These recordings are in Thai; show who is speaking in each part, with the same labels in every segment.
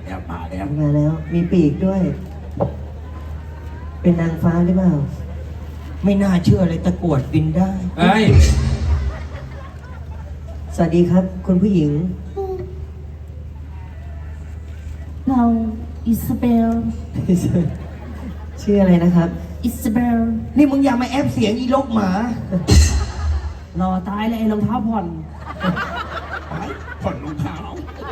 Speaker 1: มาแล้วมีปีกด้วย เป็นนางฟ้าหรือเปล่าไม่น่าเชื่อเลยตะกรวดบินได้
Speaker 2: เฮ้ย
Speaker 1: สวัสดีครับคุณผู้หญิง
Speaker 3: เราอิซาเบล
Speaker 1: ชื่ออะไรนะครับ
Speaker 3: อิซาเบล
Speaker 1: นี่มึงอย่ามาแอบเสียงอีลกหมา
Speaker 3: รอตายเลยไอ้รองเท้าผ่อน
Speaker 2: ผ่อนรองเท้า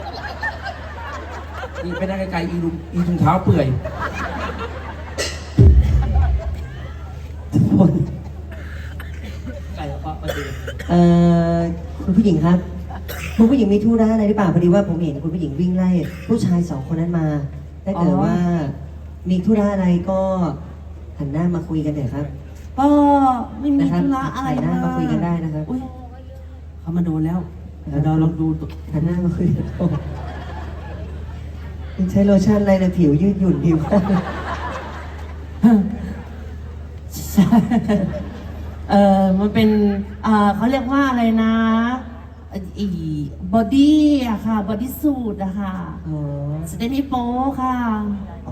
Speaker 2: นี่ไปได้ไกลๆอีถุงเท้าเปื่อย
Speaker 1: ทุกคนไก่ปะประเดี๋ยวคุณผู้หญิงครับคุณผู้หญิงมีธุระอะไรหรือเปล่าพอดีว่าผมเห็นคุณผู้หญิงวิ่งไล่ผู้ชาย2 คนนั้นมาถ้าเกิดว่ามีธุระอะไรก็หันหน้ามาคุยกันเถอะครับ
Speaker 3: ก็ไม่มีธุระอะไร
Speaker 1: หันหน้ามาคุยกันได้นะครับ
Speaker 3: เขามาโดนแล้วเราลองดู
Speaker 1: หันหน้ามาคุยกันใช้โลชั่นอะไรนะผิวยืดหยุ่นผิว
Speaker 3: มันเป็นเขาเรียกว่าอะไรนะบอดี้อะค่ะบอดี้สูทอะค่ะจะได้ไม่โป๊ค่ะ
Speaker 1: อ๋อ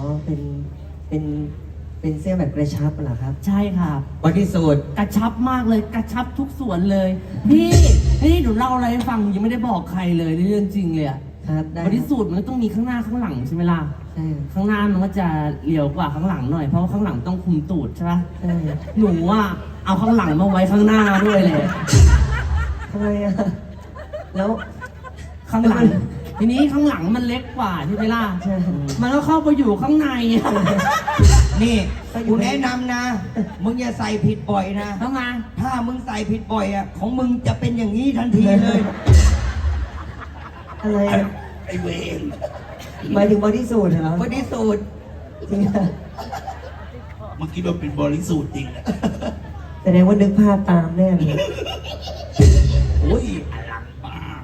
Speaker 1: เป็นเสื้อแบบกระชับเหรอครับ
Speaker 3: ใช่ค่ะ
Speaker 1: บอดี้สูท
Speaker 3: กระชับมากเลยกระชับทุกส่วนเลยพี่หนูเล่าอะไรให้ฟังยังไม่ได้บอกใครเลยเรื่องจริงเลยอะ
Speaker 1: ครับ
Speaker 3: บอดี้สูทมันต้องมีข้างหน้าข้างหลังใช่ไหมล่ะ
Speaker 1: ใช่
Speaker 3: ข้างหน้ามันก็จะเรียวกว่าข้างหลังหน่อยเพราะว่าข้างหลังต้องคุมตูดใช่ปะ
Speaker 1: ใช่
Speaker 3: หนูว่าเอาข้างหลังมาไว้ข้างหน้าด้วยเลย
Speaker 1: ทำไมอะแล้ว
Speaker 3: ข้างหลังทีนี้ข้างหลังมันเล็กกว่าใช่ไหมล่ะ
Speaker 1: ใช่
Speaker 3: มันก็เข้าไปอยู่ข้างใน
Speaker 1: นี่กูแนะนำนะมึงอย่าใส่ผิดบ่อยนะ
Speaker 3: ทำไม
Speaker 1: ถ้ามึงใส่ผิดบ่อยอะของมึงจะเป็นอย่างนี้ทันทีเลยอะไร
Speaker 2: ไอเวร
Speaker 1: หมายถึงบอดี้สูทเหรอบอดี้สูทจริงอะ
Speaker 2: เมื่อกี้เราเป็นบริสุทธิ์จริงนะ
Speaker 1: แสดงว่านึกภาพตามแน่เลย
Speaker 2: โอ้ยอลังมาก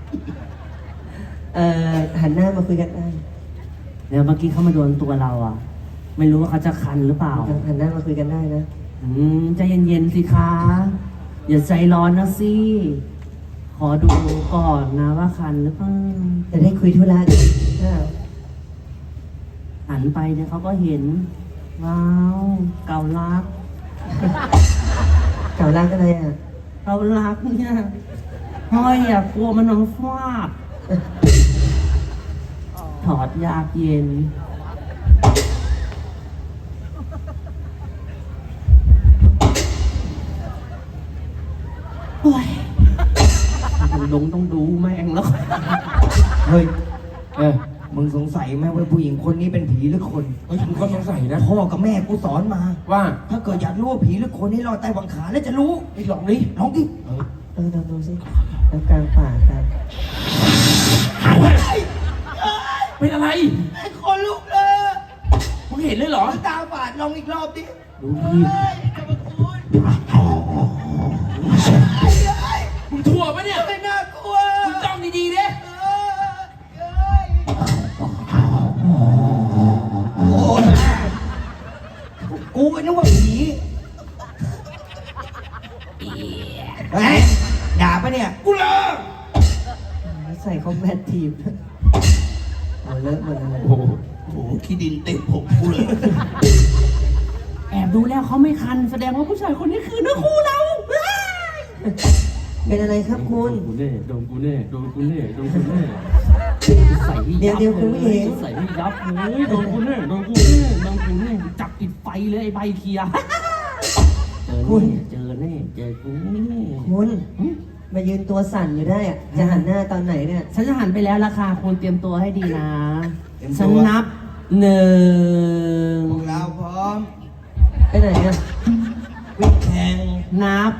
Speaker 1: หันหน้ามาคุยกันได้
Speaker 3: เดี๋ยวเมื่อกี้เขามาโดนตัวเราอ่ะไม่รู้ว่าเขาจะคันหรือเปล่า
Speaker 1: หันหน้ามาคุยกันได้นะ
Speaker 3: ใจเย็นๆสิคะอย่าใจร้อนนะสิขอดูก่อนนะว่าคันหรือเปล่า
Speaker 1: จะได้คุยธุระกัน
Speaker 3: หันไปเนี่ยเขาก็เห็นว้าวเก่ารัก
Speaker 1: เก่ารักอะไรอ่ะ
Speaker 3: เก่ารักเนี่ยห้อยอ่ะกลัวมันน้องฟาดถอดยากเย็นโอ้ยต้องดูแม่งแล้ว
Speaker 1: เฮ้ยมึงสงสัยไหมว่าผู้หญิงคนนี้เป็นผีหรือคน
Speaker 2: เฮ้ยมึงก็สงสัยนะ
Speaker 1: พ่อกับแม่กูสอนมา
Speaker 2: ว่า
Speaker 1: ถ้าเกิดอยากรู้ว่าผีหรือคนให้รอใต้บังขาแล้วจะรู้
Speaker 2: ไอ้ลองดิ
Speaker 1: ลองดิลองดูสิแล้วกลางป่ากัน
Speaker 2: เป็นอะไร
Speaker 1: ไอ้คนลุกเลย
Speaker 2: มึงเห็นเลยเหรอ
Speaker 1: ตาบาดลองอีกรอบดิ
Speaker 2: ดูดิมึงทั่วปะเนี่ย
Speaker 1: ไม่น่ากลัว
Speaker 2: มึงจ้องดีๆดิ
Speaker 1: กูก็นึกว่าผีด่าปะเนี่ย
Speaker 2: กูเลิก
Speaker 1: ใส่คอมแบททีมเอาเลิกหมดเลย
Speaker 2: โอ้โหขี้ดินเต็มผมกูเลย
Speaker 3: แอบดูแล้วเขาไม่คันแสดงว่าผู้ชายคนนี้คือเนื้อคู่เรา
Speaker 1: เป็นอะไรครับคุณ
Speaker 2: กูเน่โดนกูเน่โดนกูเน่โดนกูเน่
Speaker 1: ใส่เดี๋ยวคุณผู้หญิง
Speaker 3: ใส่ยับเลยโดนกูเน่โดนกูเน่โดนกูเน่จับปิดไฟเลยไอ้ใบเคียเจอแน่เจอกู
Speaker 1: คุณมายืนตัวสั่นอยู่ได้อะจะหันหน้าตอนไหนเนี่ย
Speaker 3: ฉันจะหันไปแล้วราคาคุณเตรียมตัวให้ดีนะฉันนับ1
Speaker 1: พวกเราพร้อมไปไหนอะวิ่งแข่ง
Speaker 3: นับ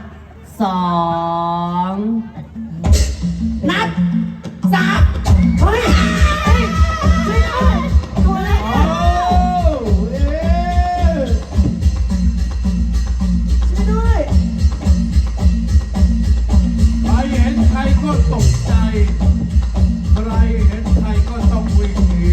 Speaker 3: 2นับ3เฮ้ยตัวเล็กช่วยด้วย
Speaker 2: ใครเห็นใครก็ตกใจใครเห็นใครก็ต้องวิ่งหนี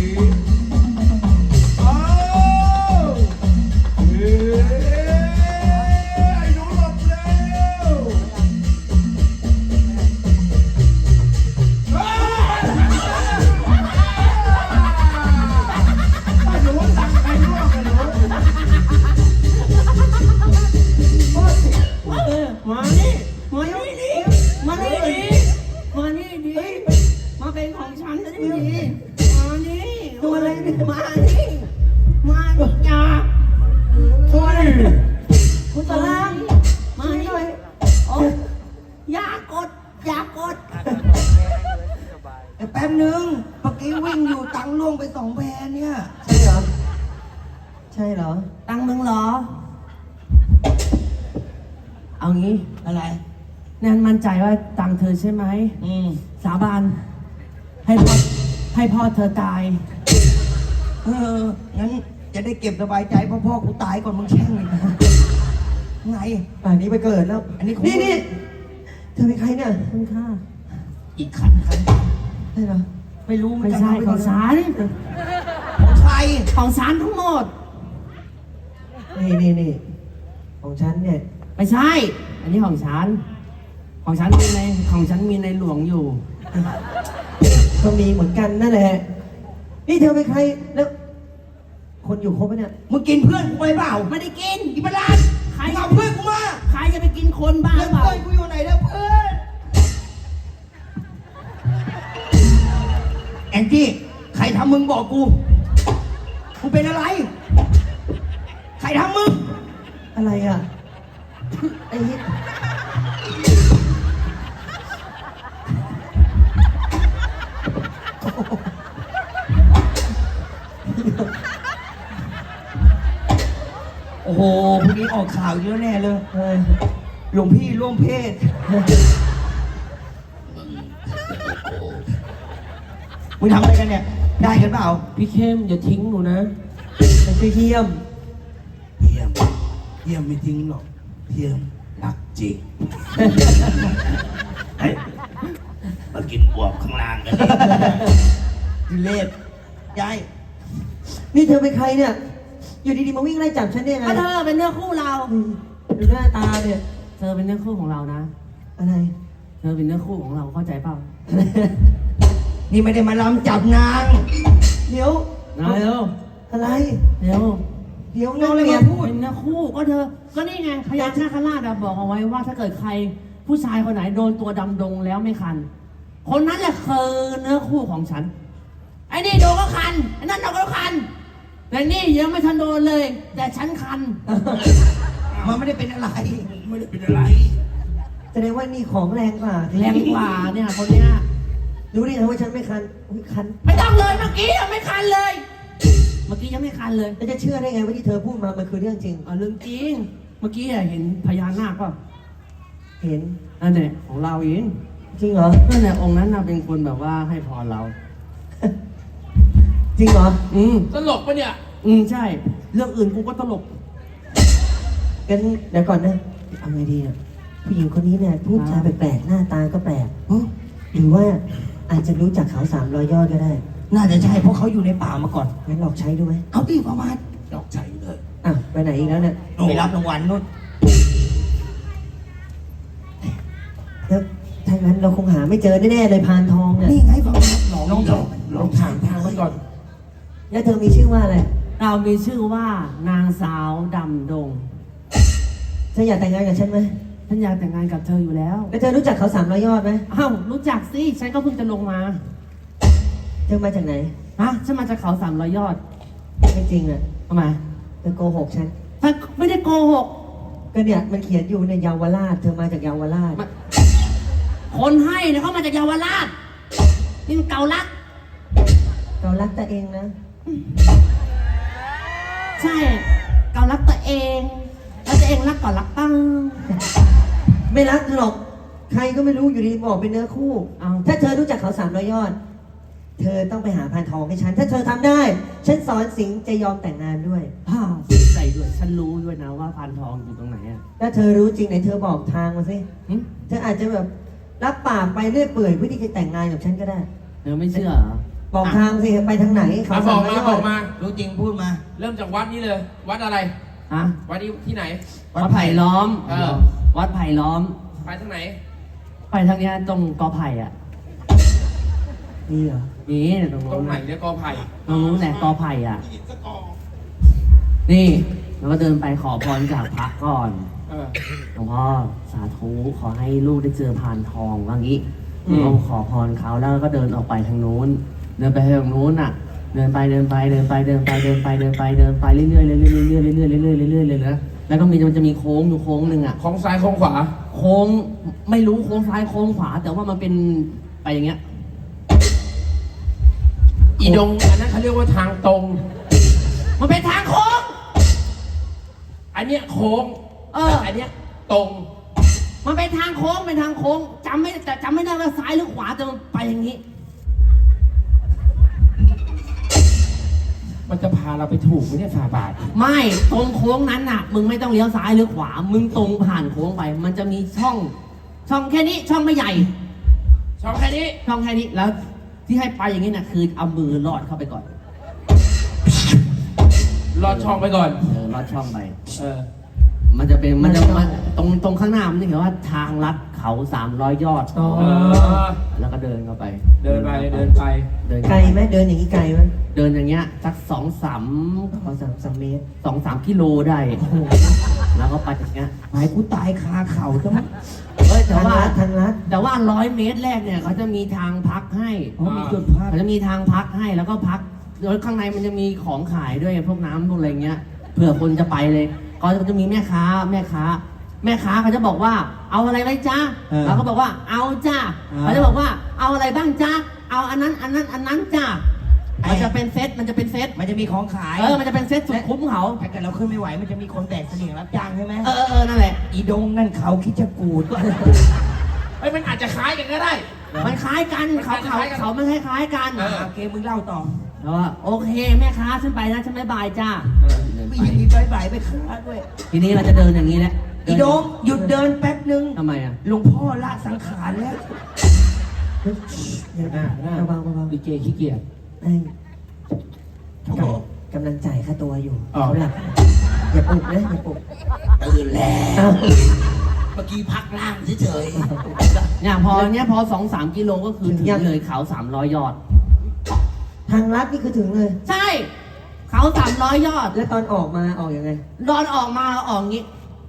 Speaker 1: ตัวอะไรเนี่ย
Speaker 3: มานี่มานี่จ้า
Speaker 2: เฮ้ย
Speaker 1: คุณตะลัง
Speaker 3: มานี่
Speaker 1: หน่อย
Speaker 3: โอ้อย่ากดอย่ากด
Speaker 4: แป๊บนึงเมื่อกี้วิ่งอยู่ตังค์ล่วงไป2 แพรเนี่ย
Speaker 1: ใช่เหรอ ใช่เหรอ
Speaker 3: ตังค์มึงเหรอ เอางี้
Speaker 4: อะไร
Speaker 3: แนนมั่นใจว่าตังค์เธอใช่ไหม สาบานให้พ่อเธอตาย
Speaker 4: งั้นจะได้เก็บสบายใจเพราะพ่อกูตายก่อนมึงแช่งอีกนะไง
Speaker 1: ป่านนี้ไปเกิดแล้ว
Speaker 4: อันนี้ของ
Speaker 1: นี่เธอเป็นใครเนี่ย
Speaker 3: คุณค่า
Speaker 4: อีกคัน
Speaker 1: ใช่เหรอ
Speaker 4: ไม่รู้
Speaker 3: ไม่ใช่ของฉัน
Speaker 4: ของใคร
Speaker 3: ของฉันทั้งหมด
Speaker 1: นี่ของฉันเนี่ย
Speaker 3: ไม่ใช่ อันนี้ของฉัน ของฉันมีในหลวงอยู่
Speaker 1: ก็มีเหมือนกันนั่นแหละ นี่เธอเป็นใคร แล้ว คนอยู่ครบไหมเนี่ย
Speaker 4: มึงกินเพื่อนกูไปเปล่า
Speaker 3: ไม่ได้กิน
Speaker 4: อีปลาด
Speaker 3: ใคร
Speaker 4: มึงเอาเพื่อนกูมา
Speaker 3: ใครจะไปกินคนบ้า
Speaker 4: แล้ว
Speaker 3: เปล่า
Speaker 4: เพื่อนกูอยู่ไหนแล้วเพื่อนแองจี้ใครทำมึงบอกกูมึงเป็นอะไร ใครทำมึง
Speaker 1: อะไรอ่ะ ไอ้นี่
Speaker 4: โอ้โหพรุ่งนี้ออกข่าวเยอะแน่เลย
Speaker 1: เออ
Speaker 4: หลวงพี่ร่วมเพศ มึงทำอะไรกันเนี่ย ได้กันเปล่า
Speaker 3: พี่เข้มอย่าทิ้งหนูนะ
Speaker 1: มันคือเทียม
Speaker 2: เยี่ยมเยี่ยมไม่ทิ้งหรอกเยี่ยมรักจริงเฮ้ยมากินบวบข้างล่างกัน
Speaker 4: ดิเลศยาย
Speaker 1: นี่เธอเป็นใครเนี่ย อยู่ดีๆมาวิ่งไล่จับฉันได้ไง
Speaker 3: ถ้าเธอเป็นเนื้อคู่เรา
Speaker 1: ดูหน้าตาเนี่ย
Speaker 3: เธอเป็นเนื้อคู่ของเรานะ
Speaker 1: อะไร
Speaker 3: เธอเป็นเนื้อคู่ของเราเข้าใจเปล่า
Speaker 4: นี่ไม่ได้มาล้ำจับนาง
Speaker 1: เดี๋ยว
Speaker 3: เร็ว
Speaker 1: อะไร
Speaker 3: เร็ว
Speaker 1: เดี๋ยว
Speaker 4: น้
Speaker 1: นั่
Speaker 4: อง งเลย
Speaker 1: เรีย
Speaker 4: มาน พูด
Speaker 3: เป็นเนื้อคู่ก็เธอ ก็นี่ไงพญานาคราชอะบอกเอาไว้ว่าถ้าเกิดใครผู้ชายคนไหนโดนตัวดำดงแล้วไม่คัน คนนั้นแหละคือเนื้อคู่ของฉัน ไอ้นี่โดนก็คันไอ้นั่นโดนก็คัน แต่นี่ยังไม่ทันโดนเลย แต่ฉันคัน
Speaker 4: มันไม่ได้เป็นอะไร
Speaker 2: ไม่ได้เป็นอะไร
Speaker 1: แสดงว่านี่ของแรงกว่า
Speaker 3: แรงกว่าเนี่ยคนเนี้ย
Speaker 1: รู้ได้ไงว่าฉันไม่คันอุ๊ยคัน
Speaker 3: ไม่ต้องเลยเมื่อกี้ยังไม่คันเลย เมื่อกี้ยังไม่คันเลย
Speaker 1: แล้วจะเชื่อได้ไงว่าที่เธอพูดมา มันคือเรื่องจริง
Speaker 3: เรื่องจริง เมื่อกี้เห็นพญานาคป่ะ
Speaker 1: เห็น
Speaker 3: นั่นแหละของเราเอง
Speaker 1: จริงเหรอ
Speaker 3: นั่นแหละองค์นั้นน่ะเป็นคนแบบว่าให้พรเรา
Speaker 1: จริงเหรอ
Speaker 2: ตลกปะเนี่ย
Speaker 3: ใช่ เรื่องอื่นกูก็ตลก
Speaker 1: งั้นเดี๋ยวก่อนนะเอาไงดีเนี่ยผู้หญิงคนนี้เนี่ยพูดจาแปลกๆหน้าตาก็แปลกหรือว่าอาจจะรู้จักเขา300 ยอดก็ได้
Speaker 4: น่าจะใช่เพราะเขาอยู่ในป่ามาก่อน
Speaker 1: งั้นลองใช้ดูไหม
Speaker 4: เอาตีประมาณ
Speaker 2: ดอกใจเลย
Speaker 1: อ่ะไปไหนอีกแล้วเนี่ย
Speaker 4: ไปรับรางวัลนู่น
Speaker 1: แล้วถ้างั้นเราคงหาไม่เจอแน่ๆเลยพานทองเนี่ย
Speaker 4: นี่ไงประมาณน้อง
Speaker 2: ลองถามทางมันก่อน
Speaker 1: แล้วเธอมีชื่อว่าอะไร
Speaker 3: เรามีชื่อว่านางสาวดำดง
Speaker 1: เธออยากแต่งงานกับฉันไหม
Speaker 3: ฉันอยากแต่งงานกับเธออยู่แล้ว
Speaker 1: แล้วเธอรู้จักเขา300 ยอดไหม
Speaker 3: อ้าวรู้จักสิ ฉันก็เพิ่งจะลงมา
Speaker 1: เธอมาจากไหน
Speaker 3: ฮะ ฉันมาจากเขา300 ยอด
Speaker 1: ไม่จริงอ่ะ
Speaker 3: ทำไม
Speaker 1: เธอโกหกฉัน
Speaker 3: ถ้าไม่ได้โกหก
Speaker 1: ก็เนี่ยมันเขียนอยู่ในเยาวราช เธอมาจากเยาวราช
Speaker 3: คนให้เนี่ยเขามาจากเยาวราช นี่มันเกาลัก
Speaker 1: เรารักตัวเองนะ
Speaker 3: ใช่ เกาลักตัวเอง แล้วตัวเองรักก่อนรักตั้ง
Speaker 1: ไม่รักเธอหรอก ใครก็ไม่รู้อยู่ดีบอกเป็นเนื้อคู่
Speaker 3: เอา
Speaker 1: ถ้าเธอรู้จักเขา300 ยอด เธอต้องไปหาพานทองให้ฉัน ถ้าเธอทำได้ ฉันสอนสิงห์จะยอมแต่งงานด้วย
Speaker 3: อ้าวใส่ด้วย ฉันรู้ด้วยนะว่าพานทองอยู่ตรงไหนอ่ะ
Speaker 1: ถ้าเธอรู้จริงไหนเธอบอกทางมาสิ
Speaker 3: หึ
Speaker 1: เธออาจจะแบบรับปากไปเรื่อยเปื่อยเพื่อที่จะแต่งงานกับฉันก็ได้
Speaker 3: เธอไม่เชื่อเหรอ
Speaker 1: บอกทางสิไปทางไหนเขา
Speaker 2: บอก
Speaker 1: 300
Speaker 2: มาย
Speaker 1: อ
Speaker 2: บอ
Speaker 1: ด
Speaker 2: กมา
Speaker 4: รู้จริงพูดมา
Speaker 2: เริ่มจากวัดนี้เลย วัดอะไร
Speaker 3: ฮะ
Speaker 2: วัดนี้ที่ไหน
Speaker 3: วัดไผ่ล้อม
Speaker 2: เออ
Speaker 3: วัดไผ่ล้อม
Speaker 2: ไปทางไหน
Speaker 3: ไปทางเนี้ยตรงกอไผ่อ่ะ
Speaker 1: นี่เหรอ
Speaker 3: นี่ตรง
Speaker 2: ตร
Speaker 3: นู้
Speaker 2: ง
Speaker 3: น
Speaker 2: ไหน
Speaker 3: น่ะ
Speaker 2: เนี่ยกอไผ่
Speaker 3: ตรงนู้นแหละกอไผ่อ่ะ นี่แล้วก็เดินไปขอพรจากพระก่อน
Speaker 2: เออ
Speaker 3: หลวงพ่อสาธุขอให้ลูกได้เจอพานทองว่างี้เราขอพรเขาแล้วก็เดินออกไปทางนู้น เดินไปทางนู้นอ่ะเดินไปเรื่อยๆเรื่อยๆเรื่อยๆเลยนะแล้วก็มันจะมีโค้งอยู่โค้งหนึ่งอ่ะ
Speaker 2: ของซ้ายของขวา
Speaker 3: โค้งไม่รู้โค้งซ้ายโค้งขวา แต่ว่ามันเป็นไปอย่างเงี้ย
Speaker 2: อีดงอันนั้นเขาเรียกว่าทางตรง
Speaker 3: มันเป็นทางโค้ง
Speaker 2: อันเนี้ยโค้ง
Speaker 3: แต่
Speaker 2: อันเนี้ยตรง
Speaker 3: มันเป็นทางโค้งเป็นทางโค้งจำไม่ได้ว่าซ้ายหรือขวาแต่มันไปอย่างนี้
Speaker 2: มันจะพาเราไปถูกไหมเนี่ยฝ่าบาท
Speaker 3: ไม่ตรงโค้งนั้นน่ะ มึงไม่ต้องเลี้ยวซ้ายหรือขวา มึงตรงผ่านโค้งไป มันจะมีช่องแค่นี้ช่องไม่ใหญ่
Speaker 2: ช่องแค่นี้
Speaker 3: ช่องแค่นี้แล้วที่ให้ไปอย่างนี้น่ะคือเอามือลอดเข้าไปก่อน
Speaker 2: ลอดช่องไปก่อน
Speaker 3: ลอดช่องไป
Speaker 2: มัน
Speaker 3: จะตรงข้างหน้ามันจะเขียนว่าทางลัดเขา300 ยอด แล้วก็เดินเข้าไป
Speaker 2: เดินไป
Speaker 3: เดิน
Speaker 1: ไกลไหมเดินอย่างนี้ไกลไหม
Speaker 3: เดินอย่างเงี้ยสัก2-3
Speaker 1: ขอ3 เมตร
Speaker 3: 2-3 กิโลได้ แล้วก็ไปอย่างเงี้ย
Speaker 4: หายกูตายคาเข่าจัง
Speaker 3: แต่
Speaker 1: ทาง
Speaker 3: ว่า
Speaker 1: ลัดทางลัด
Speaker 3: แต่ว่า100 เมตรแรกเนี่ยเขาจะมีทางพักให้
Speaker 4: มีจุดพัก
Speaker 3: เขาจะมีทางพักให้แล้วก็พักแล้วข้างในมันจะมีของขายด้วยพวกน้ำพวกอะไรเงี้ยเผื่อคนจะไปเลยเขาจะมีแม่ค้าเขาจะบอกว่าเอาอะไรไหมจ๊ะเราก็บอกว่าเอาจ้าเขาจะบอกว่าเอาอะไรบ้างจ๊ะเอาอันนั้นจ้ามันจะเป็นเซตมันจะมีของขายมันจะเป็นเซตสุดคุ้มเขา
Speaker 4: ถ้าเกิดเราขึ้นไม่ไหวมันจะมีคนแบกเสลี่ยงรับจ้างใช่ไหม
Speaker 3: นั่นแหละ
Speaker 4: อีดงนั่นเขาคิดจะกูด
Speaker 2: มันอาจจะคล้ายกันก็ได้
Speaker 3: มันคล้ายกันเขาไม่คล้ายกัน
Speaker 4: โอเคมึงเล่าต่อ
Speaker 3: แล้วว่าโอเคแม่ค้าฉันไปนะฉันไม่บายจ้า
Speaker 4: ไม่ยังมีใบใบไปค้าด้วย
Speaker 3: ทีนี้เราจะเดินอย่างนี้แหละ
Speaker 4: อีดงหยุดเดินแป๊บนึง
Speaker 3: ทำไมอ่ะ
Speaker 4: หลวงพ่อละสังขารแล้ว
Speaker 1: เบาๆ
Speaker 2: ดีเจขี้เกียจ
Speaker 1: ไอ้กำลังจ่ายค่าตัวอยู่
Speaker 2: อ๋อ
Speaker 1: เขาหลับอย่าปลุกนะอย่าปลุก
Speaker 4: ตื่นแล้ว
Speaker 1: อ้าว
Speaker 4: เมื่อกี้พักล่างเฉย
Speaker 3: เนี่ยพอ 2-3 กิโลก็คือถึงเลยเขา300 ยอด
Speaker 1: ทางลัดนี่คือถึงเลย
Speaker 3: ใช่ เขา300 ยอด
Speaker 1: แล้วตอนออกมาออกยังไง
Speaker 3: ดอนออกมาเราออกงี้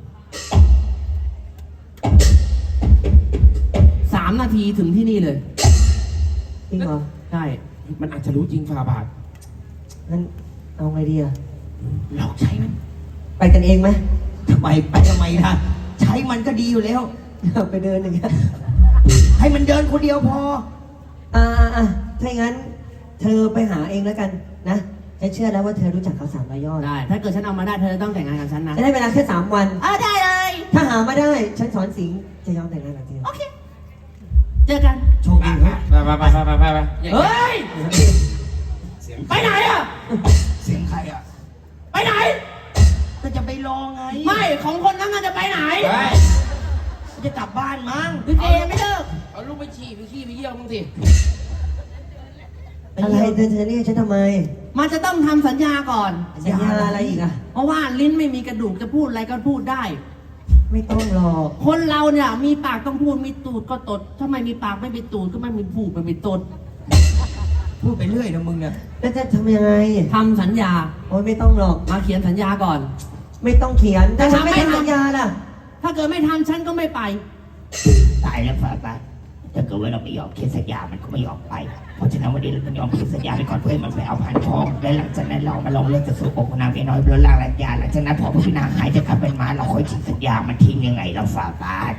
Speaker 3: 3 นาทีถึงที่นี่เลย
Speaker 1: จริงเหรอ
Speaker 3: ใช่
Speaker 2: มันอาจจะรู้จริงฝ่าบาท
Speaker 1: งั้นเอาไงดีอะ
Speaker 4: ๆเราใช้มัน
Speaker 1: ไปกันเองไหม
Speaker 4: ทำไมล่ะใช้มันก็ดีอยู่แล้ว
Speaker 1: ไปเดินอย่างเงี้ย
Speaker 4: ให้มันเดินคนเดียวพอ
Speaker 1: ถ้าอย่างนั้น เธอไปหาเองแล้วกันนะฉันเชื่อแล้วว่าเธอรู้จักเขา300 ยอด
Speaker 3: ได้ ถ้าเกิดฉันเอามาได้เธอจะต้องแต่งงานกับฉันนะ
Speaker 1: จะได้เวลาแค่3 วัน
Speaker 3: ได้เลย
Speaker 1: ถ้าหามาได้ ฉันสอนสิงห์จะยอมแต่งงานกับเธอ
Speaker 3: โอเค เจอกัน
Speaker 4: โชคดีครับ
Speaker 2: ไป
Speaker 3: เฮ้ย ไปไหนอ่ะ
Speaker 4: เสียงใครอ่ะ
Speaker 3: ไปไหน
Speaker 4: ก็จะไปรอไง
Speaker 3: ไม่ของคนนั้นมันจะไปไหน
Speaker 4: จะกลับบ้านมั้ง
Speaker 3: ลิเกไม่เลิก
Speaker 2: เอาลูกไปฉี่ไปขี้ไปเยี่ยวมึงสิ
Speaker 1: อะไรเธอเรียกฉันทำไม
Speaker 3: มันจะต้องทำสัญญาก่อน
Speaker 1: สัญญาอะไรอีกอะ
Speaker 3: เพราะว่าลิ้นไม่มีกระดูกจะพูดอะไรก็พูดได้
Speaker 1: ไม่ต้องหรอก
Speaker 3: คนเราเนี่ยมีปากต้องพูดมีตูดก็ตดถ้าไม่มีปากไม่มีตูดก็ไม่มีพูดไม่มีตด
Speaker 4: พูดไปเรื่อยนะมึงเนี่ย
Speaker 1: แล้วจะทำยังไง
Speaker 3: ทำสัญญา
Speaker 1: โอ้ยไม่ต้องหรอก
Speaker 3: มาเขียนสัญญาก่อน
Speaker 1: ไม่ต้องเขียนแต่ฉันไม่
Speaker 3: ไม่ทำ
Speaker 1: ทำสัญญาล่ะ
Speaker 3: ถ้าเกิดไม่ทำฉันก็ไม่ไป
Speaker 5: ตายแล้วฝ่าบาทถ้าเกิดว่าเราไม่ยอมเขียนสัญญา มันก็ไม่ยอมไป เพราะฉะนั้นวันนี้เราต้องยอมเขียนสัญญาไปก่อนเพื่อให้มันไปเอาผ่านทอง และหลังจากนั้นเรามาลองเรื่องจะสู่อกของนางเมียน้อยบนล่างสัญญาหลังจากนั้นพอพี่นางหายจะกลับเป็นม้าเราค่อยทิ้งสัญญา มันทิ้งยังไงเราฝ่าบาท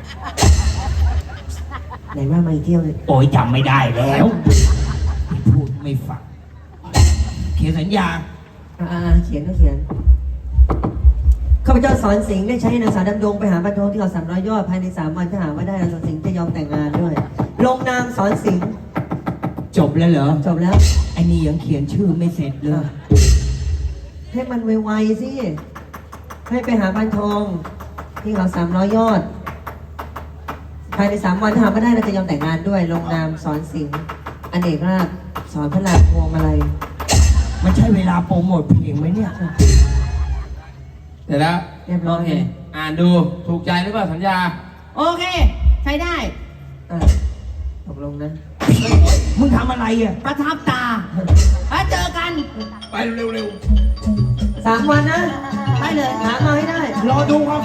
Speaker 1: ไหนว่ามาอีกเที่ยวเลย
Speaker 5: โอ้ยจำไม่ได้แล้วที่พูดไม่ฟัง
Speaker 4: เขียนสัญญา
Speaker 1: เขียนก็เขียนข้าพเจ้าสอนสิงห์ได้ใช้นางสาวดำดงไปหาบรรทองที่เขา300 ยอดภายใน3 วันถ้าหาว่าได้นางสอนสิงห์จะยอมแต่งงานด้วย ลงนามสอนสิงห์
Speaker 4: จบแล้วเหรอ
Speaker 1: จบแล้ว
Speaker 4: ไอ้นี่ยังเขียนชื่อไม่เสร็จเลย
Speaker 1: ให้มันไวๆสิ ให้ไปหาบรรทองที่เขา300 ยอด ภายใน3 วันถ้าหาว่าได้เราจะยอมแต่งงานด้วย ลงนามสอนสิงห์อเนกราชสอนพระราชพวงมาลัย
Speaker 4: มันใช่เวลาโปรโมทเพลงไหมเนี่ย
Speaker 2: เดี๋ยวแล้ว
Speaker 1: เรียบร้อย
Speaker 3: โอเค
Speaker 2: อ่านดูถูกใจหรือเปล่าสัญญา
Speaker 3: โอเค ใช้ได้
Speaker 1: ตกลงนะ
Speaker 4: มึงทำอะไรอ่ะ
Speaker 3: ประทับตาแล้วเจอกัน
Speaker 2: ไปเร็ว
Speaker 1: 3 วันนะ
Speaker 3: ไปเลย
Speaker 1: หามาให้ได้
Speaker 4: รอดูความ